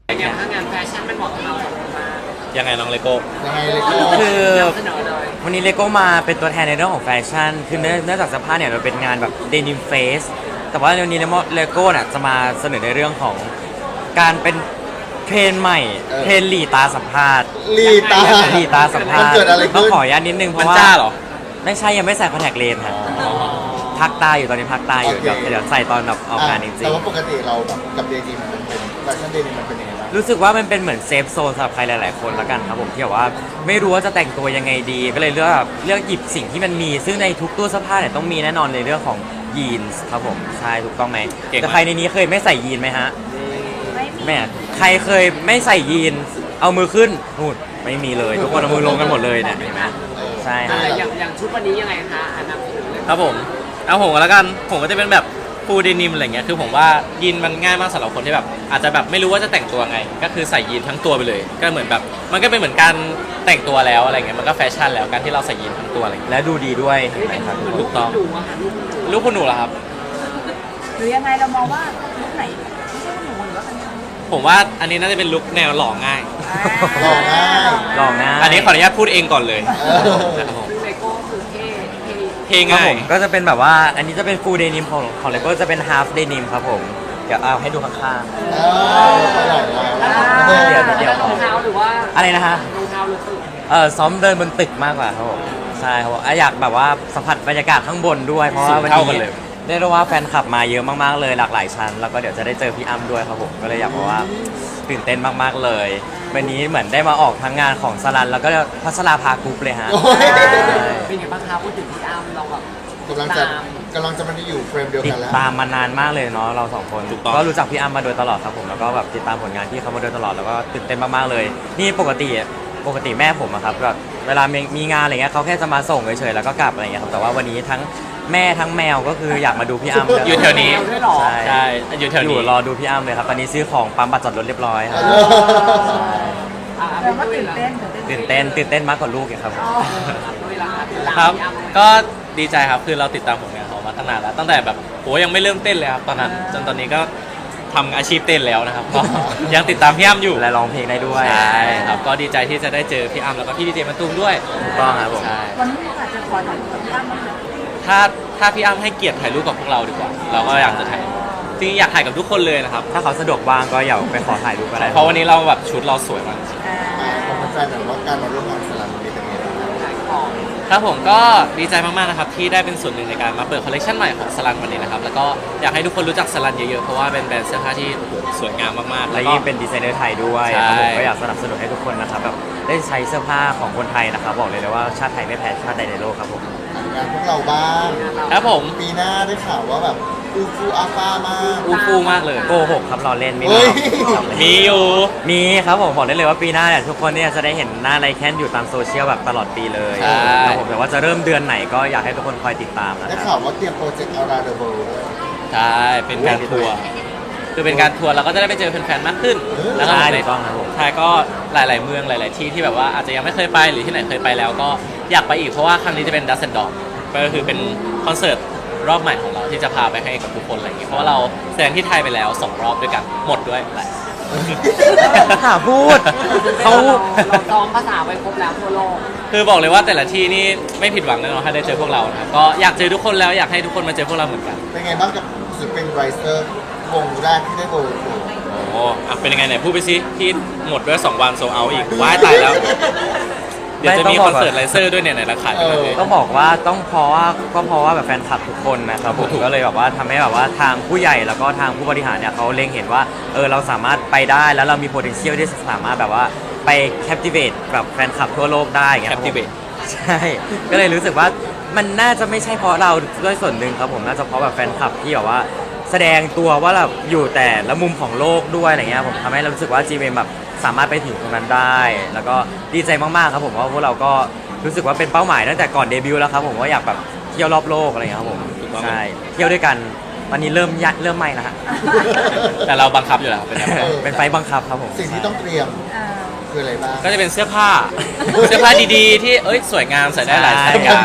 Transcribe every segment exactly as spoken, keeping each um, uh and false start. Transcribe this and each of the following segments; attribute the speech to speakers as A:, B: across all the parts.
A: อย่างถ้างานแฟชั่นมันเหมาะกับเราสองคนมาก
B: ยังไงน้องเลโก้
C: ยังไงเลยก็
D: คือ
A: เสนอเลย
D: วันนี้เลโก้มาเป็นตัวแทนในเรื่องของแฟชั่นคือเนื่องเนื่องจากสภาพเนี่ยเราเป็นงานแบบเดนิมเฟสแต่ว่าวันนี้เลโก้เนี่ยจะมาเสนอในเรื่องของการเป็นเทรนใหม่เทรนหลีตาสัมภาษณ์
C: ลีตา
D: หลีตาสัมภาษณ์
C: มันเกิดอะไรขึ้น
D: ต้องขออนุญาตนิดนึงเพ
B: มัน
D: ราะว่า
B: จ้าเหรอ
D: ไม่ใช่ยังไม่ใส่คอนแทคเลนส์ครับพักตาอยู่ตอนนี้พักตาอยู่เดี๋ยวเดี๋ยวใส่ตอนแบบออกงานจริ
C: แต่
D: ง
C: ว่าปกติเราแบบกับเดนิมมันเป็นแฟชั่นเดนิมมันเป็นยังไงบ้าง
D: ๆรู้สึกว่ามันเป็นเหมือนเซฟโซนสำหรับใครหลายๆคนละกันครับผมที่แบบว่าไม่รู้ว่าจะแต่งตัวยังไงดีก็เลยเลือกเลือกหยิบสิ่งที่มันมี ซึ่งในทุกตู้เสื้อผ้าเนี่ยต้องมีแน่นอนในเรื่องของยีนส์ครับผมใช่ถูกต้องไหม
B: เก่งมาก
D: แต่ใครในนี้เคยไม่ใส่ยีนไหมฮะไม่อะใครเคยไม่ใส่ยีนเอามือขึ้นนู่นไม่มีเลย ทุกคนเอามือลงกันหมดเลยเนี่ยเห็นไหมใช่
A: อ่ะ
D: ฮะ
A: อย่างอย่างชุดวันนี้ยังไงคะอันนำเสนอเลย
B: ครับผมเอาผมก็แล้วกันผมก็จะเป็นแบบฟูลเดนิมอะไรเงี้ยคือผมว่ายีนมันง่ายมากสำหรับคนที่แบบอาจจะแบบไม่รู้ว่าจะแต่งตัวไง ก็คือใส่ยีนทั้งตัวไปเลย ก็เหมือนแบบมันก็เป็นเหมือนการแต่งตัวแล้วอะไรเงี้ยมันก็แฟชั่นแล้วการที่เราใส่ยีนทั้งตัวอะไรเงี้ย
D: และดูดีด้วยเห็นไหมครับ
B: ถูกต้อง
A: ดูอะค่ะลูก
B: ลูกคุณหนูเหรอครับ
E: หรือยังไงเรามองว่าลุคไหนไม่ใช่หนูหรือว่าเป็นยังไง
B: ผมว่าอันนี้น่าจะเป็นลุคแนวหล่อง่าย
C: หล่อง่าย
D: ลองง่าย
B: อันนี้ขออนุญาตพูดเองก่อนเลย
C: เออ
B: นะครับผม
A: ซึ่งเลโก้คือเท่เท่
B: เพลง
D: ครับ
B: ง่าย
D: ผมก็จะเป็นแบบว่าอันนี้จะเป็นฟูลเดนิมของของเลโก้จะเป็นฮาล์ฟเดนิมครับผมเดี๋ยวเอาให้ดูข้าง
C: เออไปไหนแล้ว
D: เดี๋ยวเดี๋ยว
A: รองเท้าหรือว่า
D: ๆอะไรนะฮะ
A: รองเท้าหรือตึก
D: เออซ้อมเดินบนตึกมากกว่าครับผมใช่ครับผมอ่ะอยากแบบว่าสัมผัสบรรยากาศข้างบนด้วยเพราะว่าวัน
B: สูงเท่ากั
D: นี้
B: นเลย
D: เรียกได้ว่าแฟนคลับมาเยอะมากๆเลยหลากหลายชั้นแล้วก็เดี๋ยวจะได้เจอพี่อ้ำด้วยครับผมก็เลยอยากบอกว่าตื่นเต้นมากๆเลยวันนี้เหมือนได้มาออกทั้งงานของสลันแล้วก็พัชราภากรุ๊ปเลยฮะ
C: โอ้ย
A: เป็นไงบ้างคะพูดถึงพี่อ้ำเราแบบ
C: กำลังจะกำลังจะมันอยู่เฟรมเดียว
D: ติ
C: กั
D: ด
C: นแล้ว
D: ตามมานานมากเลยเนาะเราสองคน
B: ถูกต้อง
D: ก็รู้จักพี่อ้ำมาโดยตลอดครับผมแล้วก็แบบติดตามผลงานที่เขามาโดยตลอดแล้วก็ตื่นเต้นมากๆเลย นี่ปกติปกติแม่ผมอะครับแบบเวลามีมีงานอะไรเงี้ยเขาแค่จะมาส่งเฉยๆแล้วก็กลับอะไรเงี้ยครับแต่ว่าวันนี้ทั้งแม่ทั้งแมวก็คืออยากมาดูพี่อ้ำเลย
B: อยู่แถวนี้
A: ด้วยเหรอ
D: ใช่
B: ใช่อยู่แถว
D: อยู่
B: นี้
D: รอดูพี่อ้ำเลยครับตอนนี้ซื้อของปั๊มบัตรจอดรถเรียบร้อยครับ
A: อ่ะ
E: แต่ว่า
A: ไม่
E: ตื่น
A: ละ
E: เต้น
D: ตื่นเต้นตื่นเต้นมากกว่าลูกอีกครับ
A: ด้วยละค่ะติดตาม
B: ครับ
A: พี่อ้ำ
B: ก็ดีใจครับ คือเราติดตามผลงานเขามาตั้งนานแล้ว ตั้งแต่แบบโหยังไม่เริ่มเต้นเลยครับตอนนั้น จนตอนนี้ก็ทำอาชีพเต้นแล้วนะครับ ก็ยังติดตามพี่อ้ำอยู่
D: และร้องเพลงได้ด้วย
B: ใช่ครับ ก็ดีใจที่จะได้เจอพี่อ้ำแล้วก็พี่ดีเจมะตูมด้วย
D: ถูกต้องครับผม
B: ใช่
E: วันนี้อาจจะขอถ่ายรูปกับพี่อ้ำบ้างไหม
B: ถ้าถ้าพี่อ้ำให้เกียรติถ่ายรูปกับพวกเราดีกว่า เราก็อยากจะถ่ายจริงๆอยากถ่ายกับทุกคนเลยนะครับ
D: ถ้าเขาสะดวกว่างก็อย่าไปขอถ่ายรูปก็ได้
B: เพราะวันนี้เราแบบชุดเราสวยมาก
E: อ่า
C: ผมเป็นแฟนแบบว่าการมาร่วมงานสลันวันนี้เป็นยังไงบ้าง
A: ขายของ
B: ครับผมก็ดีใจมากๆนะครับที่ได้เป็นส่วนหนึ่งในการมาเปิดคอลเลคชันใหม่ของสลันวันนี้นะครับแล้วก็อยากให้ทุกคนรู้จักสลันเยอะๆเพราะว่าเป็นแบรนด์เสื้อผ้าที่โอ้โหสวยงามมากๆ
D: และ
B: แล้วก็
D: ยิ่งเป็นดีไซเนอร์ไทยด้วย
B: ใช่
D: ครับผมก็อยากสนับสนุนให้ทุกคนนะครับแบบได้ใช้เสื้อผ้าของคนไทยนะครับบอกเลยเลยว่าชาติไทยไม่แพ้ชาติใดในโลกครับผม
C: งานพวกเราบ้าง
B: ครับผม
C: ปีหน้าได้ข่าวว่าแบบอูฟูอาฟามาก
B: อูฟูมากเลย
D: โกหกครับเราเล่นไม่
C: เฮ้
D: มี
C: ย
B: มีอยู่
D: มีครับผมบอกได้เลยว่าปีหน้าเนี่ยทุกคนเนี่ยจะได้เห็นหน้าไรแคนอยู่ตามโซเชียลแบบตลอดปีเลย
B: ใช่
D: ครับผมแต่ว่าจะเริ่มเดือนไหนก็อยากให้ทุกคนคอยติดตามนะ
C: ได้
D: ค
C: ข่า
D: รับ
C: วว่าเตรียมโปรเจกต์อาราเดอร์เบิลด้วย
B: ใช่เป็นการทัวร์คือเป็นการทัวร์เราก็จะได้ไปเจอแฟนๆมากขึ้น
C: เออ
B: แล้วก็
D: ใช่
B: ใน
D: ถูกต้องครับผม
B: ไทยก็หลายๆเมืองหลาย ๆ ที่ที่แบบว่าอาจจะยังไม่เคยไปหรือที่ไหนเคยไปแล้วก็อยากไปอีกเพราะว่าครั้งนี้จะเป็นดัซเซนดอ g ก็คือเป็นคอนเสิร์ตรอบใหม่ของเราที่จะพาไปให้กับทุกคนอะไรอย่างเงี้ยเพราะว่าเราแสดงที่ไทยไปแล้วสองรอบด้วยกันหมดด้วยหลาย
D: หาพูด
A: เขา
D: เขา
A: เราซ้อมภาษาไปครบแล้วทั่วโลก
B: คือบอกเลยว่าแต่ละที่นี่ไม่ผิดหวังแน่นอนถ้าได้เจอพวกเรานะครับก็อยากเจอทุกคนแล้วอยากให้ทุกคนมาเจอพวกเราเหมือนกัน
C: เป็นไงบ้างกับศิลปินไรเซอร์วงแรกที่ได้โบว์
B: โอ้อ่ะเป็นยังไงไหนพูดไปสิที่หมดด้วยสองวันโซเอาอีกว้ายตายแล้ว เดี๋ยวจะมีคอนเสิร์ตไลเซอร์ด้วยเนี่ยไหนราคาเป็นยังไง
D: ต้องบอกว่าต้องเพราะว่าก็เพราะว่าแบบแฟนคลับทุกคนนะครับผม
B: ถูก
D: ก็เลยแบบว่าทำให้แบบว่าทางผู้ใหญ่แล้วก็ทางผู้บริหารเนี่ยเขาเล็งเห็นว่าเออเราสามารถไปได้แล้วเรามี potential ที่สามารถแบบว่าไป captivate แบบแฟนคลับทั่วโลกได้อย่าง
B: แค
D: เงี้ย
B: ป
D: ครับ
B: ติ
D: ผม
B: เบต
D: ใช่ ก็เลยรู้สึกว่ามันน่าจะไม่ใช่เพราะเราด้วยส่วนหนึ่งครับผมน่าจะเพราะแบบแฟนคลับที่แบบว่าแสดงตัวว่าเราอยู่แต่ละมุมของโลกด้วยอะไรเงี้ยผมทำให้เรารู้สึกว่า จี เอ็ม แบบสามารถไปถึงตรงนั้นได้ แล้วก็ดีใจมากๆครับผมเพราะพวกเราก็รู้สึกว่าเป็นเป้าหมายตั้งแต่ก่อนเดบิวต์แล้วครับผมว่าอยากแบบเที่ยวรอบโลกอะไรเงี้ยครับผมใช่เที่ยวด้วยกันตอนนี้เริ่มยะเริ่มไม่แล้วฮะ
B: แต่เราบังคับอยู่แล้วเป็นไง
C: เออ
D: เป็นไฟล์บังคับครับผม
C: สิ่งที่ต้องเตรียม
E: อ่า
C: คืออะไรบ้าง
B: ก็จะเป็นเสื้อผ้า เสื้อผ้าดีๆ ที่เอ้ยสวยงามใส่ได้หลายสถานการณ์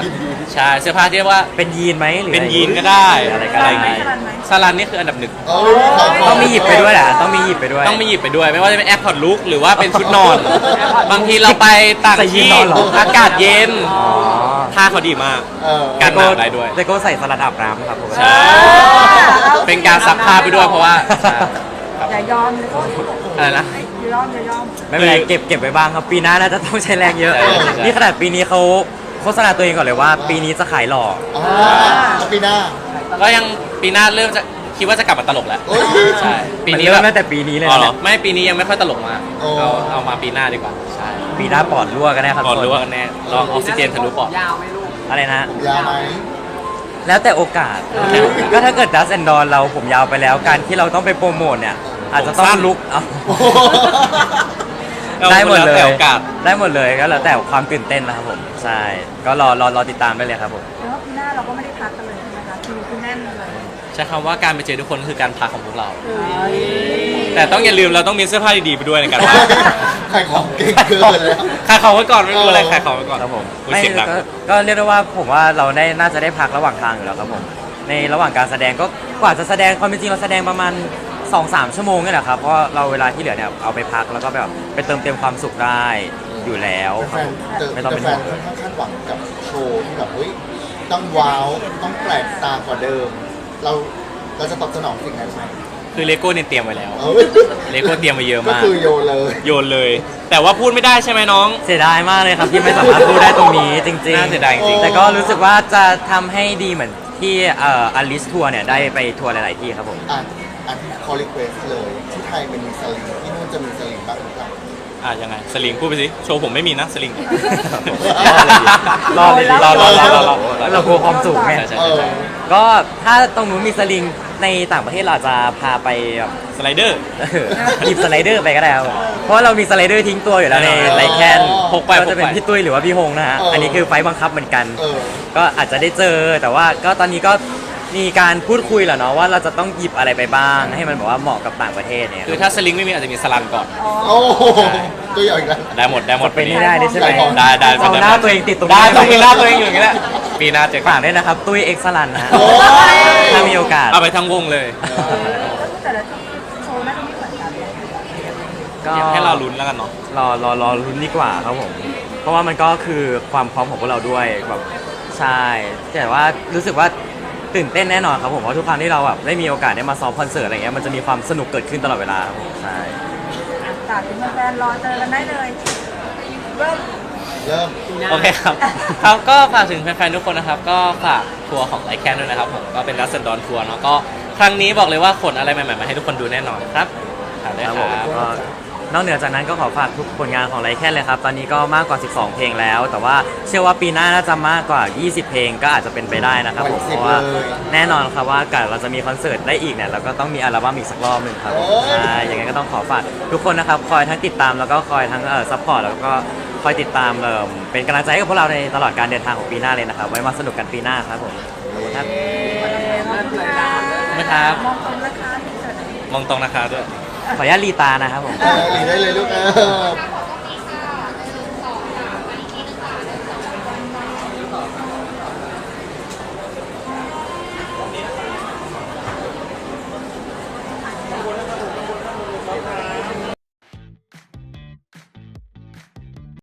B: ใช่เสื้อผ้าที่เรียกว่า
D: เป็นยีนไหมหรือ
B: เป็น
D: อะไร
B: ยีนก็ได้
D: อะไรก็
B: อะไร
D: ได้
B: อย่าง
E: ไหม
B: งี้
E: สลันไหม
B: ซาลันนี่คืออันดับหนึ่ง
C: เอ้ยขายข
D: ต้องมีหยิบไปด้วยแหละต้องมีหยิบไปด้วย
B: ต้องมีหยิบไปด้วย ไม่ว่าจะเป็นแอร์พอร์ตลุกหรือว่าเป็นชุดนอน บางทีเราไปต่าง
D: ใส่ยีน
B: ที่
D: นอนเหรอ
B: อากาศเย็น
D: อ๋อ
B: ท่าเขาดีมาก
C: เออ
B: กันหนาวได้ด้วย
D: แต่ก็ใส่สลัดอาบน้ำครับผม
B: ใช่ เป็นการซักผ้าไปด้วยเพราะว่าใช่
E: อย่ายอมเลยก็
B: อะไรนะ
E: อย่ายอมอย่ายอม
D: ไม่เป็นไรเก็บเก็บไว้บ้างครับปีหน้าน่าจะต้องใช้แรงเยอะ
B: ใช่ใช่
D: นี่ขนาดปีนี้เขาโฆษณาตัวเองก่อนเลยว่า ปีนี้จะขายหล่อ
C: อ๋อแล้วปีหน้า
B: ก็ยังปีหน้าเริ่มจะคิดว่าจะกลับมาตลกแล้ว
C: โอ้ย
B: ใช่ปีนี้
D: มัน
B: แบ
D: เริ่ม
B: บ
D: ตั้งแต่ปีนี้เลย
B: อ๋อเหรอ
D: นะ
B: ไม่ปีนี้ยังไม่ค่อยตลกมาก
C: โอ้
B: เอาเอามาปีหน้าดีกว่าใช่
D: ปีหน้าปอดรั่วกันแน่ครับ
B: ก่อน
D: ทุ
B: รู้
D: ค
B: ว่ากันแน่ลองออกซิเจนทะลุปอด
A: ยาวไหม่ลูก
D: อะไรนะ
C: ผมยาวไหม
D: แล้วแต่โอกาส ก็ถ้าเกิดดัสแอนดอนเราผมยาวไปแล้ว การที่เราต้องไปโปรโมทเนี่ย อาจจะต้อง
B: ผมสั้น
D: ลุกเอา
C: โอ้โห
D: ได้หมดเล
B: แล้ว
D: ย
B: แต่โอกาส
D: ได้หมดเลยก็แล้วแต่ความตื่นเต้นนะครับผม ใช่ ก็รอรอรอติดตามได้เลยครับผม
E: แต่ว่าปีหน้าเราก็ไม่ได้พักกันเลยใช่ไหมคะคิวคือแน่นเลย
B: ใช้คำว่าการไปเจอทุกคนคือการพักของพวกเรา
E: เอ้ย
B: แต่ต้องอย่าลืมเราต้องมีเสื้อผ้าดีๆไปด้วยในการพัก
C: ขายของเก่งเกินแล้ว
B: ขายของไว้ก่อนไม่รู้อะไรขายของไว้ก่อน
D: ครับผม
B: อุ๊ย
D: ไม่
B: เสียงดัง
D: ก็ก็เรียกได้ว่าผมว่าเราได้น่าจะได้พักระหว่างทางอยู่แล้วครับผม ในระหว่างการแสดงก็กว่าจะแสดงความเป็นจริงเราแสดงประมาณ สองสาม ชั่วโมงนี่แหละครับ เพราะเราเวลาที่เหลือเนี่ยเอาไปพักแล้วก็แบบไปเติมเต็มความสุขได้อยู่แล้วค
C: แฟ
D: รับ
C: น
D: ผม
C: ๆเจอ
D: ไม่ต้องเป็น
C: แฟ
D: ห่วน ง
C: ๆค่อนข้างคาดหวังกับโชว์ที่แบบเฮ้ยต้องว้าวต้องแปลกตากว่าเดิม เราเราจะตอบสนองสิ่งนั้นไหม
B: คือเลโก้เนี่ยเตรียมไว้แล้ว
C: เอ้ย
B: เลโก้เตรียมมาเยอะ
C: ก็
B: มาก
C: คือโยนเลย
B: โยนเลย แต่ว่าพูดไม่ได้ใช่ไหมน้อง
D: เสียดายมากเลยครับที่ไม่สามารถพูดได้ตรงนี้จริง
B: น่าเสียดายจริง
D: แต่ก็รู้สึกว่าจะทำให้ดีเหมือนที่เอ่ออลิสทัวร์เนี่ยได้ไปทัวร์หลาย ๆ ที่ครับผม
C: อ่ะอันคอลิเควสเลย ที่ไทยมันมีสลิงที่นู่นจะมีสลิงบ้างหรือเปล่า
B: อ่ะยังไงสลิงพูดไปสิโชว์ผมไม่มีนะสลิง
D: รอเลยดิ
B: รอรอรอรอรอ
D: เรากลัวความสูงไง
B: ใช่ใช่
C: เออ
B: ใช่
D: ก็ถ้าตรงนู้นมีสลิงในต่างประเทศเราอาจจะพาไปแบบ
B: สไลเดอร์
D: เออหยิบสไลเดอร์ไปก็ได้ครับผมเพราะว่าเรามีสไลเดอร์ทิ้งตัวอยู่แล้วใน
B: เออ
D: ไรแคน
B: พกไป
D: ก็จะเป็น
B: พกไป
D: พี่ตุ้ยหรือว่าพี่ฮงนะฮะ
C: เอออั
D: อันนี้คือไฟล์บังคับเหมือนกัน
C: เออ
D: ก็อาจจะได้เจอแต่ว่าก็ตอนนี้ก็มีการพูดคุยแหละเนาะว่าเราจะต้องหยิบอะไรไปบ้าง ให้มันแบบว่าเหมาะกับต่างประเทศเนี่ย
B: คือถ้าสลิงไม่มีอาจจะมีสลันก่อน
C: โอ้โหตัวใหญ่อีกแล้ว
B: ได้หมดได้หมด
D: เป็นไม่ได้ด้วยใช่ไหม
B: ได้ได้
D: เอาหน้าตัวเองติดตรง
B: ได้
D: นี้
B: ต้องมีหน้าตัวเองอยู่อย่างนี้แหละปีหน้าเจอกั
D: ฝาน กด้วยนะครับ ตุ้ยเอ็กซ์ลันนะฮะ
C: โอ้ย
D: ถ้ามีโอกาส
B: เอาไปทั้งวงเลย
E: ก็คือแต่ละที่โชว์น่าจะไม่เหมือนกัน
D: ก็
B: อยากให้เราลุ้นแล้วกันเนาะ
D: รอรอรอลุ้นดีกว่าครับผม เพราะว่ามันก็คือความพร้อมของพวกเราด้วยแบบใช่แต่ว่ารู้สึกว่าตื่นเต้นแน่นอนครับผมเพราะทุกครั้งที่เราแบบได้มีโอกาสได้มาซ้อมคอนเสิร์ตอะไรเงี้ยมันจะมีความสนุกเกิดขึ้นตลอดเวลาครับผมใช่
E: ฝากถึงแฟนๆรอเจอกันได้เลยเริ่ม
C: เริ่ม
B: โอเคครับ ครับก็ฝากถึงแฟนๆทุกคนนะครับ ก็ฝากทัวร์ของไลแคนด้วยนะครับผมก็เป็นรัสเซนดอนทัวร์เนาะก็ครั้งนี้บอกเลยว่าขนอะไรใหม่ๆมาให้ทุกคนดูแน่นอนครับถามได้
D: ครับ
B: ค
D: ผม
B: รับ
D: ก็นอกเหนือจากนั้นก็ขอฝากทุกผลงานของไลแคนเลยครับ ตอนนี้ก็มากกว่า สิบสอง เพลงแล้ว แต่ว่าเชื่อว่าปีหน้าน่าจะมากกว่า ยี่สิบ เพลงก็อาจจะเป็นไปได้นะครับผม
C: วัน
D: เพ
C: สิบ
D: ราะว่า
C: เลย
D: แน่นอนครับว่าการเราจะมีคอนเสิร์ตได้อีกเนี่ยเราก็ต้องมีอัลบั้มอีกสักรอบหนึ่งครับผม
C: โอ้ย
D: ใช่อย่างนั้นก็ต้องขอฝากทุกคนนะครับคอยทั้งติดตามแล้วก็คอยทั้งเอ่อซัพพอร์ตแล้วก็คอยติดตามเอ่อเป็นกำลังใจให้กับพวกเราในตลอดการเดินทางของปีหน้าเลยนะครับไว้มาสนุกกันปีหน้าครับผมครับ
E: ขอบคุณค่ะ
B: นะครับ
E: มองตรงนะคะที่เกิด
B: มองตรงนะครับด้วย
D: ขออนุญาตรีตานะครับผม
C: เออหลีได้เลยลูกเออ